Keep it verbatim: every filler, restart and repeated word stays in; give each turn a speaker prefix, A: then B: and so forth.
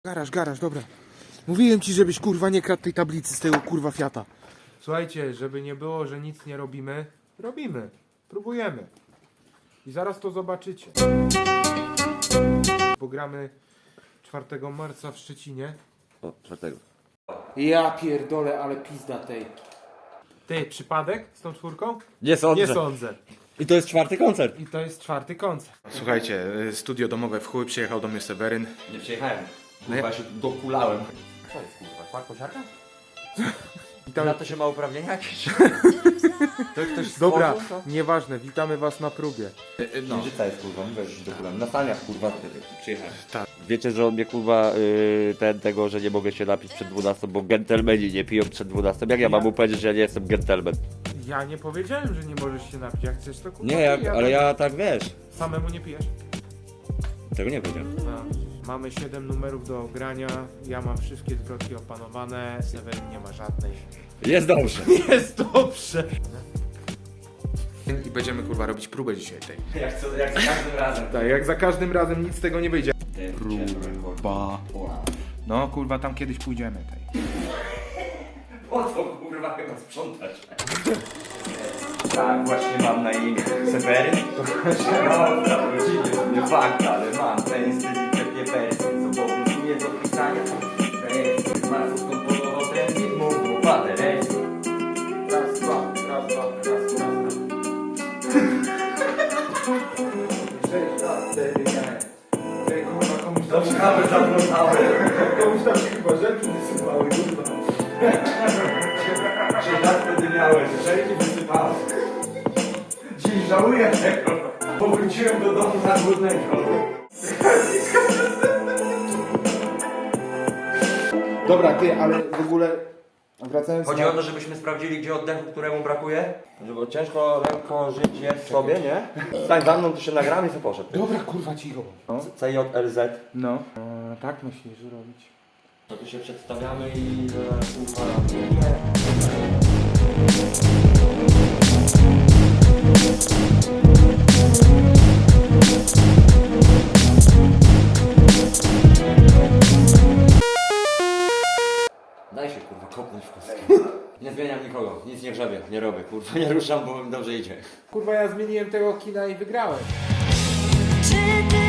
A: Garaż, garaż, dobra. Mówiłem ci, żebyś kurwa nie kradł tej tablicy z tego kurwa Fiata. Słuchajcie, żeby nie było, że nic nie robimy, robimy. Próbujemy. I zaraz to zobaczycie. Pogramy czwartego marca w Szczecinie.
B: O, czwartego.
A: Ja pierdolę, ale pizda tej. Ty, przypadek z tą czwórką?
B: Nie sądzę.
A: Nie sądzę.
B: I to jest czwarty koncert.
A: I to jest czwarty koncert. Słuchajcie, studio domowe w chuj, przyjechał do mnie Seweryn.
B: Nie przyjechałem. Kurwa, się dokulałem. Co jest kurwa? Kład kosiarka?
A: Witamy...
B: Na to się ma uprawnienia jakieś? To ktoś
A: Dobra,
B: stworzył, co?
A: nieważne, witamy was na próbie.
B: No. Życa jest kurwa, mówię, że się dokulam. Na staniach kurwa przyjechałem.
A: Tak.
B: Wiecie, że on mnie kurwa yy, ten tego, że nie mogę się napić przed dwunastą, bo gentlemeni nie piją przed dwunastą. Jak ja mam mu powiedzieć, że ja nie jestem gentleman?
A: Ja nie powiedziałem, że nie możesz się napić. Jak chcesz, to kurwa
B: Nie, jak,
A: pij,
B: ale ja tak wiesz.
A: Samemu nie pijesz?
B: Tego nie powiedziałem.
A: A, mamy siedem numerów do grania. Ja mam wszystkie zwrotki opanowane. Seweryn nie ma żadnej.
B: Jest dobrze.
A: Jest dobrze. I będziemy kurwa robić próbę dzisiaj tej.
B: Jak, co, jak za każdym razem.
A: Tak, jak za każdym razem nic z tego nie wyjdzie.
B: Próba.
A: No kurwa, tam kiedyś pójdziemy tej.
B: Po co kurwa chyba sprzątać? Tak, właśnie mam na imię Seweryn. No, zawrócimy, nie fakt, ale mam ten styl i takie wersje, co obowiązuje do pisania. Rejestr, bardzo skomponował ten film, mówił, padę, rejestr.
A: Raz, dwa, raz, dwa, raz, raz,
B: Sześć lat wtedy miałem.
A: Ej, kurwa, komuś
B: Do szkoły zaglądałem.
A: komuś tam się chyba rzeczy wysypały, kurwa.
B: Sześć lat wtedy miałem, rzeczy wysypałem. Dziś żałuję tego, bo wróciłem do domu na głodnego.
A: Dobra, ty, ale w ogóle wracając
B: Chodzi
A: na...
B: o to, żebyśmy sprawdzili, gdzie oddechu, któremu brakuje. Żeby ciężko lekko żyć jest sobie, nie? Stań za mną, to się nagramy i co poszedł.
A: Dobra, kurwa, cicho.
B: C J L Z.
A: No. E, tak myślisz robić.
B: To tu się przedstawiamy i e, uchwalamy. Daj się kurwa kopnąć w kostkę. Nie zmieniam nikogo, nic nie grzebię, nie robię kurwa, nie ruszam, bo mi dobrze idzie.
A: Kurwa, ja zmieniłem tego kina i wygrałem.
C: Czy ty